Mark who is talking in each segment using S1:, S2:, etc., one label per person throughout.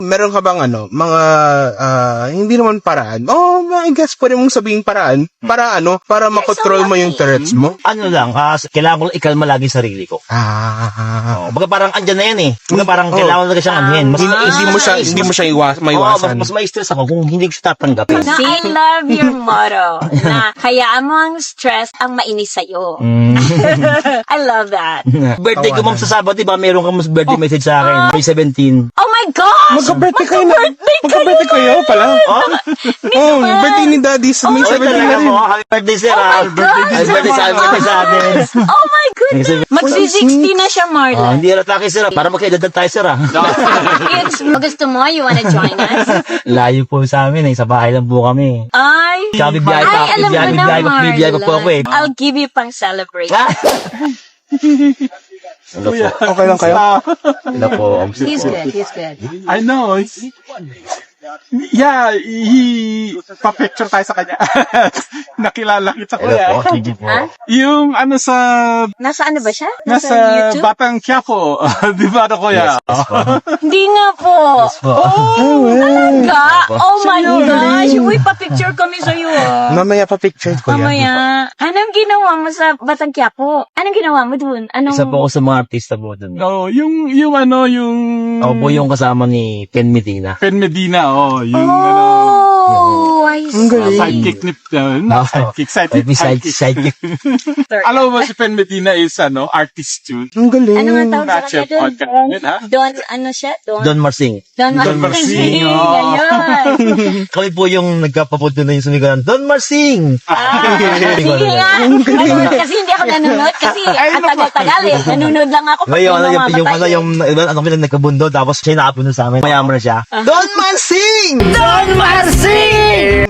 S1: Meron ka bang mga hindi naman paraan? Oh, I guess pwede mong sabihin paraan para para makontrol mo yung Tourette's mo.
S2: Ano lang, kailangan ko lang ikalma lagi sarili ko. Baga parang andyan na yan eh. Baga parang kailangan talaga siyang anhin.
S1: Hindi mo siya maiwasan.
S2: Mas ma-stress ako kung hindi ko siya tatanggapin.
S3: I love your motto na hayaan mo ang stress ang mainis sa'yo. I love that.
S2: Birthday ko ma'am sa Sabado, diba meron kang birthday message sa akin. May 17.
S3: Oh my gosh!
S1: Magka-birthday kayo na. Magka-birthday kayo pala. Birthday ni Daddy sa May 17 na rin.
S2: Happy birthday sir.
S3: Oh my God!
S2: Happy birthday sa atin.
S3: Oh my goodness! Magsi-60 na siya, Marla.
S2: Hindi rin taki sir. Para magkaedad tayo sir.
S3: Gusto mo? You wanna join us?
S2: Layo po sa amin eh. Sa bahay lang po kami.
S3: Ay!
S2: Tsaka bibiyay pa po ako eh.
S3: I'll give you pang celebrate.
S1: Okay lang kayo?
S2: Ano po?
S3: He's good.
S4: I know. Yeah, pa-picture tayo sa kanya. Nakilala kita ko
S2: Hello po.
S4: yan.
S2: Sige po.
S3: Ha?
S4: Yung sa...
S3: Nasa ano ba siya?
S4: Nasa
S3: YouTube?
S4: Batang Quiapo. Di ba kuya?
S2: Yes po.
S3: Hindi nga po.
S2: Po.
S3: Talaga? Oh my gosh. Uy, pa-picture kami sa'yo.
S1: Mamaya pa picture ko yan.
S3: Mamaya. Anong ginawa mo sa Batang Quiapo? Anong ginawa mo dun?
S2: Isa po ako sa mga artista po dun.
S4: No, yung...
S2: Ako po yung kasama ni Ken Medina.
S4: Pen Medina, yung
S3: Oh, I see.
S4: sidekick ni...
S2: Sidekick.
S4: Alam mo ba si Pen Medina is artist yun?
S1: Ang galing.
S3: Ano nga tawag sa
S4: Ratchet
S3: kanya
S4: podcast
S3: doon?
S4: yun, ha?
S3: Don, ano siya?
S2: Don Marsing.
S3: Don
S4: Marsing,
S3: Ayun.
S2: Kami po yung nagkapapunto na yung sumigaran. Don Marsing!
S3: Sige nga. Kasi hindi ako nanonood kasi ang tagal-tagal eh. Nanonood lang ako pag
S2: Ngayon,
S3: yung mamamatay.
S2: kami lang nagkabundo, tapos siya nakapunto sa amin. Mayaman na siya. Don Marsing! Don Marsing!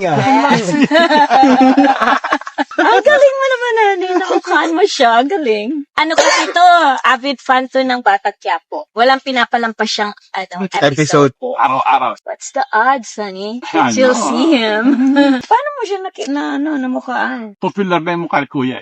S3: Ang galing mo naman, Nani. Nakukaan mo siya. Ang galing. Ano kasi ito? Avid fan to ng Batang Quiapo. Walang pinapalampas siyang episode.
S4: Araw-araw.
S3: What's the odds, honey?
S4: I
S3: You'll
S4: know.
S3: see him. Paano mo siya namukhaan?
S4: Popular na yung mukha ni kuya.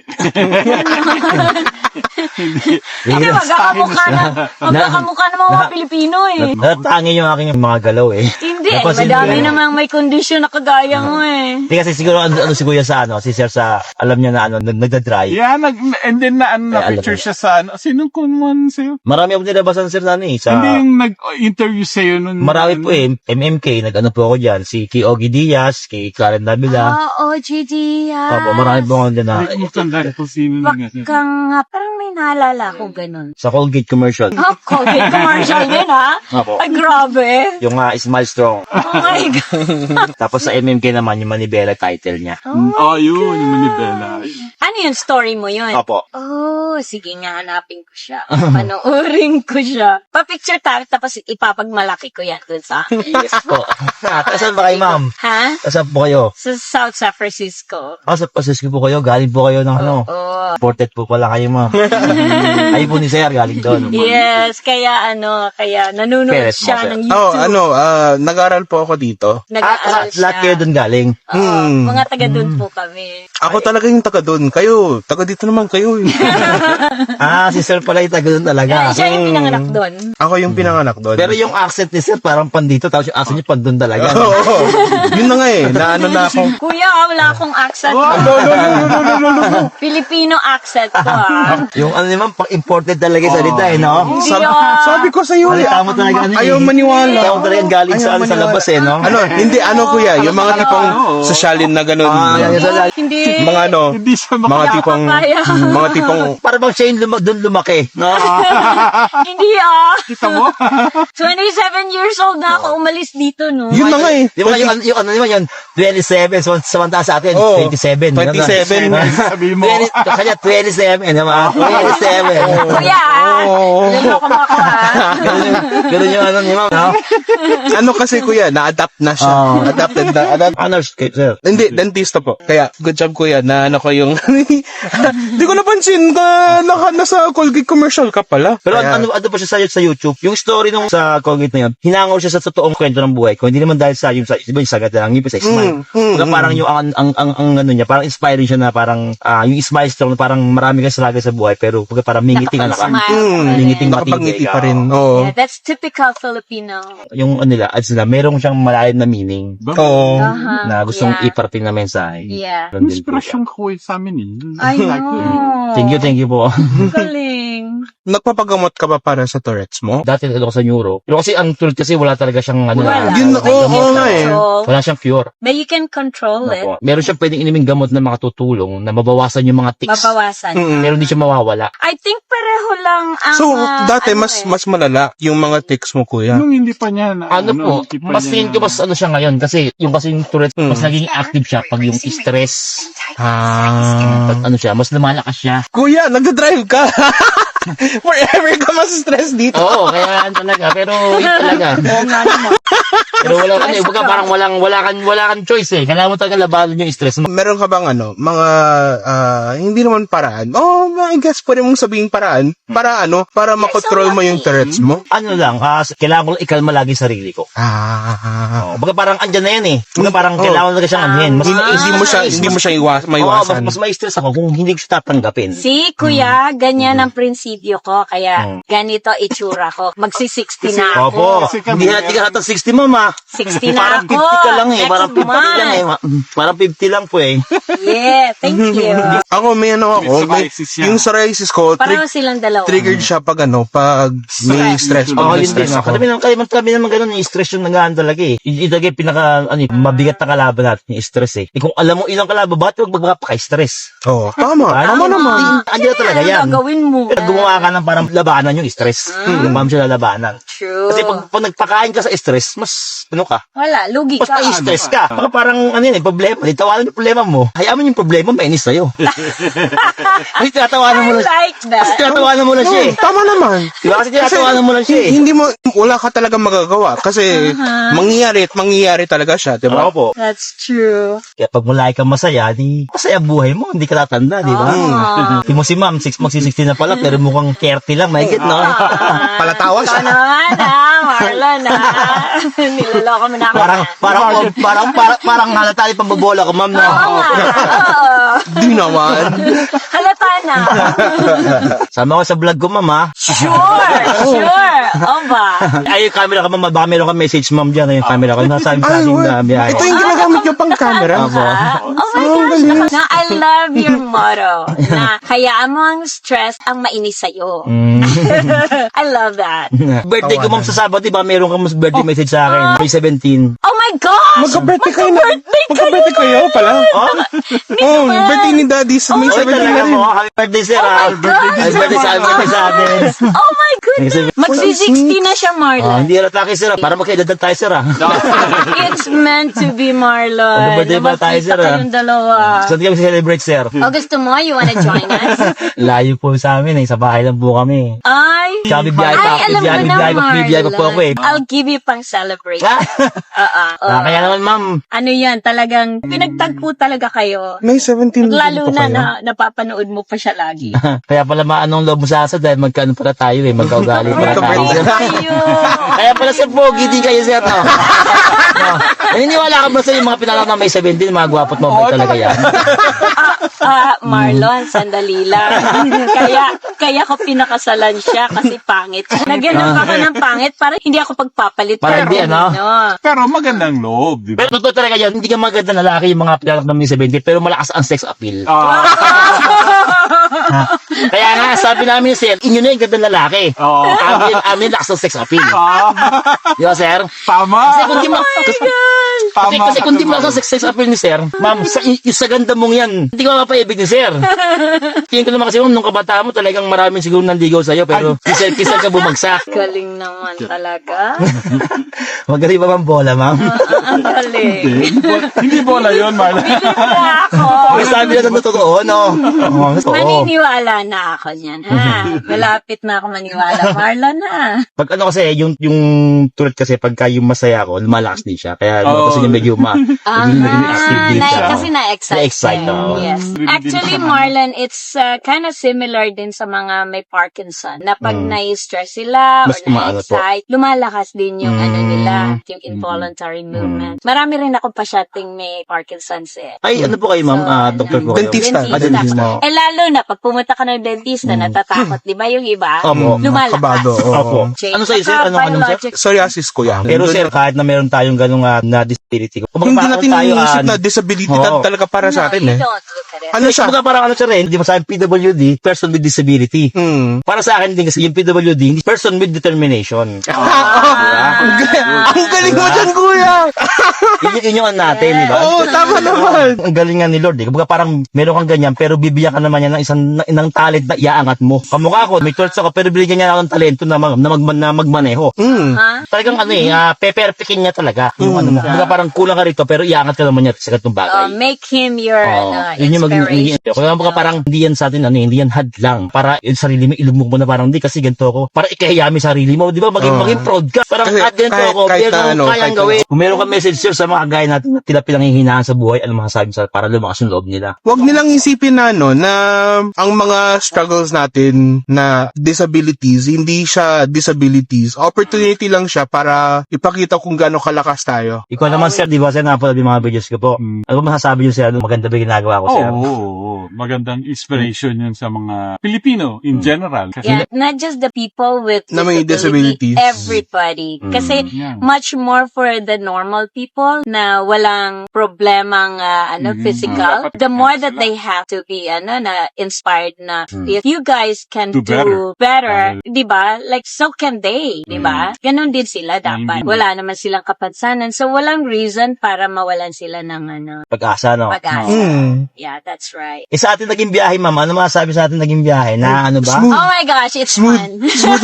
S3: Kasi magkakamukha ng mga Pilipino eh.
S2: Natatangin yung aking mga galaw eh.
S3: Hindi,
S2: Napansin
S3: madami
S2: ko yun.
S3: namang may kondisyon na kagaya mo eh.
S2: Hindi kasi siguro si Kuya si Sir sa, alam niya na nagda-dry.
S4: Yeah, and then na
S2: alam
S4: picture
S2: mo.
S4: siya sa Sinong kuman sa'yo?
S2: Marami akong nilabasan Sir Nani sa...
S4: Hindi yung nag-interview sa'yo nun.
S2: Marami po eh. MMK, nag-ano po ako dyan. Si Ogie Diaz, kay Karen Davila.
S3: OGD
S2: Opo, marami po ako dyan na...
S4: Hindi ko tanda kung sino lang yan.
S3: Baka nga, parang may naalala ko ganun.
S2: Sa Colgate commercial.
S3: Oh, Colgate commercial din ha?
S2: Opo.
S3: Ay, grabe.
S2: Yung Smile Strong.
S3: Oh my God.
S2: Tapos sa MMK naman, yung Manibela title niya.
S4: Yun, yung Manibela.
S3: Ano yung story mo yun?
S2: Opo.
S3: Oh, sige nga, hanapin ko siya. Panoorin ko siya. Pa-picture tayo, tapos ipapagmalaki ko yan dun sa
S2: Yes po. Saan ba kayo, ma'am?
S3: Ha?
S2: Saan po kayo?
S3: Sa South San Francisco.
S2: Sa Pacific po kayo? Galing po kayo ng
S3: Oh.
S2: Imported po pala kayo, ma'am. Ay po ni Sir, galing doon.
S3: Yes, kaya nanonood
S2: Peres mo,
S3: siya
S2: sir.
S3: ng YouTube.
S1: Nag-aral po ako dito.
S3: Nag-aaral siya.
S2: Lahat kayo doon galing.
S3: Mga taga doon po kami.
S1: Ako talaga yung taga doon. Kayo, taga dito naman kayo.
S2: Si Sir pala yung taga doon talaga.
S3: Siya yung pinanganak doon.
S1: Ako yung pinanganak doon.
S2: Pero yung accent ni Sir parang pandito, tapos yung accent niya pandun talaga.
S1: Oo. Yun na nga eh. Naano na ako.
S3: Kuya, wala akong accent.
S4: No.
S3: Filipino accent ko
S2: Yung naman, pang-imported talaga yung salita no?
S3: Hindi
S1: Sabi ko sa iyo.
S2: Salita mo talaga
S1: Ayaw maniwala.
S2: Ayaw mo talaga galing sa labas no?
S1: Hindi, kuya, yung mga tipong sosyalin na ganun.
S3: Hindi.
S1: Mga
S4: Hindi siya
S1: mga tipong,
S3: Papaya.
S1: mga tipong,
S2: Para bang siya yung doon lumaki. No?
S3: Hindi
S4: Kita mo?
S3: 27 years old na ako umalis dito, no?
S1: yun na nga eh.
S2: Di ba yung ano naman yun, 27, samantala sa atin,
S1: Oo,
S2: 27.
S1: 27.
S4: Sabi mo.
S2: Kanya 27, naman. 27.
S3: Kuya, niloko mo ako,
S2: Ganun yung ano ni ma'am, no?
S1: Ano kasi kuya, na-adapt na siya.
S2: Oo.
S1: Adapted na.
S2: Honors, sir.
S1: Hindi, dentista po. Kaya, good job kuya, na ano ko yung Di ko napansin ka nasa Colgate commercial ka pala.
S2: Pero
S1: Kaya-
S2: ano pa siya sa YouTube? Yung story nung sa Colgate na yun, hinangaw siya sa totoong kwento ng buhay ko. Hindi naman dahil sa yung sagat lang, yung sa smile. Parang yung ang ano niya, parang inspiring siya na parang yung smile strong na parang marami kang struggle sa buhay pero parang mingiting ka.
S3: Nakapag-smile.
S2: Mingiting
S1: Nakapangiti
S2: matindig.
S1: pa rin. Oo.
S3: Yeah, that's typical Filipino.
S2: Yung ano nila, ads nila, merong siyang malalim na meaning
S1: Oo.
S2: na gustong
S3: Yeah.
S2: iparating na mensahe.
S3: Yeah.
S2: Ganun din po siya.
S4: Inspirasyon ko sa amin eh.
S3: I know.
S2: Thank you po.
S3: Galing.
S1: Nagpapagamot ka ba para sa Tourette's mo?
S2: Dati ako sa neuro. Pero kasi ang tulad kasi wala talaga siyang ano
S3: Wala.
S1: Yun,
S3: But you
S1: oo
S3: can
S1: nga eh.
S3: control.
S2: wala siyang cure.
S3: But you can control it.
S2: Opo. Meron siyang pwedeng iniming gamot na makatutulong na mabawasan yung mga tics.
S3: Mabawasan.
S2: Pero hindi siya mawawala.
S3: I think pareho lang ang...
S1: So, dati mas malala yung mga tics mo, kuya.
S4: Nung hindi pa niya na,
S2: Ano po,
S4: hindi pa
S2: mas
S4: niya
S2: tingin ko mas ano siya ngayon kasi yung Tourette, mas naging active siya pag yung stress,
S1: Ah.
S2: pag ano siya, mas lumalakas siya.
S1: Kuya, nagdadrive ka. Forever ka mas-stress dito.
S2: Oo, kaya yan talaga, pero yun talaga.
S3: Oo nga naman.
S2: Pero wala ka baga parang wala kang choice eh. Kailangan mo talaga labanan yung stress mo.
S1: Meron ka bang mga hindi naman paraan? I guess pwede mong sabihin paraan para makontrol mo yung Tourette's mo.
S2: Ano lang, kailangan ko lang ikalma lagi sarili ko.
S1: Ah.
S2: Baga parang andyan na yan eh. Baga parang kailangan talaga siyang anuhin.
S1: Hindi mo siya maiwasan.
S2: mas ma-stress ako kung hindi ko siya tatanggapin.
S3: Si Kuya, ganyan ang prinsipyo ko. Kaya ganito itsura ko. Magsi-60 na ako.
S2: Opo, hindi ka natin 60 mama.
S3: 60 na
S2: Parang
S3: ako.
S2: 50 ka lang eh.
S3: Next
S2: Parang 50 lang eh.
S3: month.
S2: Parang 50 lang po eh.
S3: Yeah, thank you.
S1: Ako may
S4: psoriasis yan.
S1: yung psoriasis ko,
S3: Pareho silang dalawa.
S1: triggered siya pag may stress.
S2: Oo,
S1: Pag may
S2: hindi
S1: stress
S2: na.
S1: ako.
S2: Kami naman ganun, yung stress yung nagaan talaga eh. Itagay mabigat na kalaban natin, yung stress eh. Kung alam mo ilang kalaban, bakit huwag magpapaka-stress?
S1: Oo, tama naman.
S2: Andiyan talaga yan.
S3: Ano gagawin mo?
S2: Pero gumawa ka ng parang labanan yung stress. Yung ma'am siya lalabanan.
S3: True.
S2: Kasi pag nagpakain ka sa stress, mas ka.
S3: Wala, lugi
S2: Mas
S3: ka.
S2: na-stress ka. Baka parang problema. Tawanan yung problema mo. Hayaan mo yung problema, mainis sa'yo. Kasi tinatawanan mo
S3: I
S2: lang.
S3: like that.
S2: Kasi tinatawanan mo lang siya eh.
S1: Tama naman.
S2: Diba? Kasi tinatawanan mo lang siya eh.
S1: Wala ka talaga magagawa kasi mangyayari talaga siya, di ba?
S2: Opo.
S3: That's true.
S2: Kaya pag mulay ka masaya, masaya buhay mo, hindi ka tatanda, di ba? Hindi mo si ma'am, magsi-60 na pala, pero mukhang 30 lang, may no?
S1: Palatawa siya.
S3: Ikaw naman Marlon Niloloko mo na ako.
S2: Parang halata yung pambabola ko, ma'am, no?
S3: Oo.
S1: Di naman.
S3: Halata na.
S2: Sama ko sa vlog ko, ma'am, ha?
S3: Sure. O ba?
S2: Ay, yung camera ka, ma'am, baka meron ka message, ma'am, dyan, yung camera ko. Nasabi sa akin na biyahe.
S1: Ito yung ginagamit niyo pang camera.
S2: Opo.
S3: Oh my gosh. Na, I love your motto. Na hayaan mo ang stress ang mainis sa'yo. I love that.
S2: Birthday ko, ma'am, sa Sabado, diba, meron kang birthday message sa akin, May 17.
S3: Oh my gosh!
S1: Magka-birthday kayo na. Magka-birthday kayo pala. Oh, birthday ni Daddy sa May 17 na rin.
S2: Happy birthday, sir, ha?
S3: Oh my gosh!
S2: Happy birthday sa atin.
S3: Oh my goodness! Magsi-60 na siya, Marlon.
S2: Hindi halata kay sir, para magkaedad tayo, sir, ha?
S3: It's meant to be, Marlon.
S2: Mag-birthday ba tayo, sir, ha?
S3: Kayong dalawa.
S2: Saan kami celebrate, sir?
S3: O gusto mo? You wanna join us?
S2: Layo po sa amin, eh. Sa bahay lang po kami.
S3: Ay!
S2: Tsaka bibiyahe pa ako.
S3: alam mo na,
S2: Bibiyahe pa po ako, eh.
S3: I'll give you pang celebration.
S2: Kaya naman, ma'am.
S3: Ano yan, talagang pinagtagpo talaga kayo.
S1: May 17
S3: Lalo
S1: pa
S3: na
S1: kayo.
S3: napapanood mo pa siya lagi.
S2: Kaya pala maanong loob mo sa asa dahil magkano pala tayo, eh. Magkaugali pala tayo.
S3: Ayun!
S2: Kaya pala, sir, pogi din kayo, sir, no? Naniniwala ka ba sa yung mga pinalak na may 17, mga gwapot mo ba talaga yan?
S3: Marlon, sandali lang. kaya ko pinakasalan siya kasi pangit. Nagyanap ako ng pangit para hindi ako pagpapalit.
S2: Para hindi, ano?
S4: Pero magandang loob, di ba?
S2: Pero totoo talaga yan, hindi ka maganda na lalaki yung mga pinalak na may 17, pero malakas ang sex appeal. Kaya nga, sabi namin, sir, inyo na yung ganda lalaki. Amin lakas ang sex appeal. Di ba, sir?
S4: Tama.
S2: Kasi kung di kasi kung di malakas ang sex appeal ni sir, ma'am, sa ganda mong yan, hindi ka mapapaibig ni sir. Tingin ko naman kasi, ma'am, nung kabataan mo, talagang maraming siguro nandigaw sa'yo, pero kisal ka bumagsak.
S3: Galing naman talaga.
S2: Magaling ba bang bola, ma'am?
S3: Ang galing.
S4: Hindi bola yun, Marla.
S3: Wala ako.
S2: May sabi na ng totoo, no? Oo, totoo.
S3: Maniniwala na ako niyan, ha? Malapit na ako maniwala. Marlon, ha?
S2: Pag ano kasi, yung tulad kasi, pagka yung masaya ako, lumalakas din siya. Kaya
S4: Oo.
S2: kasi yung medyo naging active din siya.
S3: Kasi na-excite.
S2: Na-excite, oo.
S3: Yes. Actually, Marlon, it's kind of similar din sa mga may Parkinson. Na pag na-stress sila or
S2: Mas umaano po.
S3: na-excite, lumalakas din yung ano nila, yung
S2: Mm-hmm.
S3: involuntary movement. Marami rin ako pasyating may Parkinson's eh.
S2: Ay, ano po kayo, ma'am? Doktor po kayo?
S1: Dentista.
S2: Dentista.
S3: Eh lalo na, pag pumunta ka ng dentista, natatakot, di ba yung iba?
S2: Opo.
S3: Lumalakas.
S1: Kabado, oo.
S2: Opo. Ano sa'yo, sir? Anong sir?
S3: Biologic-
S1: Psoriasis ko yan.
S2: Pero sir, kahit na meron tayong ganung na disability, kumbaga
S1: hindi
S2: parang
S1: natin
S2: tayo,
S1: iniisip na disability
S2: Oo.
S1: talaga para sa atin
S3: you
S1: eh.
S3: don't look at it.
S1: Ano siya?
S2: Kumbaga parang ano siya rin, di ba sabi PWD, person with disability.
S1: Hmm.
S2: Para sa akin din kasi yung PWD, hindi person with determination.
S1: Ang galing mo dyan, kuya!
S2: Yun yung ano natin, di ba?
S1: Oo, tama naman.
S2: Ang galing nga ni Lord, eh. Kumbaga parang meron kang ganyan, pero bibigyan ka naman niya ng ng talent na iaangat mo. Kamukha ko, may torch ako, pero bibigyan niya ako ng talento na magmaneho.
S1: Hmm.
S3: Ha?
S2: Talagang ano peperpikin niya talaga. Yung ano mo. Kumbaga parang kulang ka rito, pero iaangat ka naman niya sa ganitong bagay.
S3: Make him your
S2: Yun yung
S3: inspiration.
S2: kaya mga parang hindi yan sa atin, hindi yan hadlang. Para yung sarili mo, ilumog mo na parang, hindi kasi ganito ako. Para ikahiyami sarili mo, di ba? Maging proud ka. Parang
S1: Kasi
S2: ganito ako,
S1: kahit
S2: pero
S1: na ano,
S2: kayang
S1: kahit
S2: gawin. Kung meron kang message sir sa mga gaya natin na tila pinanghihinaan sa buhay, ano masasabi sa para lumakas yung loob nila?
S1: Huwag nilang isipin na na ang mga struggles natin na disabilities, hindi siya disabilities. Opportunity lang siya para ipakita kung gaano kalakas tayo.
S2: Ikaw naman sir, di ba sir, napanood yung mga videos ko po. Ano ba masasabi yun sir? Ano maganda ba yung ginagawa ko
S4: Oo,
S2: sir?
S4: magandang inspiration yun sa mga Pilipino in general. Kasi
S3: Yeah, not just the people with
S1: Na may disabilities.
S3: everybody. Kasi
S4: yeah.
S3: much more for the normal people na walang problemang physical.
S4: Dapat
S3: The more that
S4: sila.
S3: they have to be na inspired na if you guys can
S4: Do
S3: do better,
S4: better.
S3: 'di ba? Like so can they, 'di ba? Ganon din sila dapat. Wala naman silang kapansanan. So walang reason para mawalan sila ng
S2: Pag-asa, no?
S3: pag-asa.
S1: Hmm.
S3: Yeah, that's right.
S2: Sa atin naging biyahe, ma'am, ano masasabi sa atin naging biyahe? Na ano ba?
S1: Smooth.
S3: Oh my gosh, it's
S1: Smooth.
S3: fun.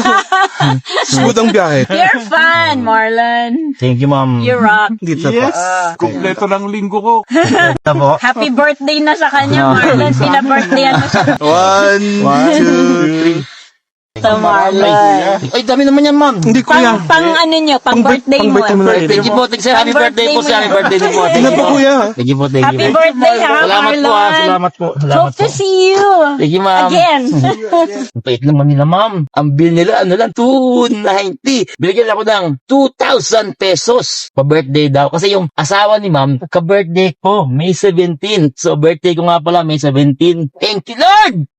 S1: Smooth ang biyahe.
S3: You're fun, Marlon.
S2: Thank you, ma'am.
S3: You rock.
S1: Dito
S4: yes,
S1: pa.
S4: kumpleto ng linggo ko.
S2: Ito po.
S3: Happy birthday na sa kanya, Marlon. Pina-birthdayan mo siya.
S1: 1, 2, 3.
S3: Sa Marlon.
S2: Ay, dami naman yan, ma'am.
S1: Hindi, kuya.
S3: Pang ano nyo, pang birthday mo.
S1: pang birthday mo na.
S2: Thank you po. Thank you, sir. Happy birthday po, sir. Happy birthday din po. Thank
S1: Ano
S2: you
S1: po, kuya?
S2: Thank you po. Thank you
S3: Happy
S2: po.
S3: birthday, ha,
S2: Salamat po, ha.
S3: Marlon.
S2: Salamat po. Salamat
S3: Hope
S2: po.
S3: to see you.
S2: Thank you, ma'am.
S3: Again.
S2: Ang pait naman nila, ma'am. Ang bill nila, ano lang, 290. Binigyan ako ng 2,000 pesos. Pa-birthday daw. Kasi yung asawa ni ma'am, ka-birthday ko, May 17. So, birthday ko nga pala, May 17. Thank you, Lord!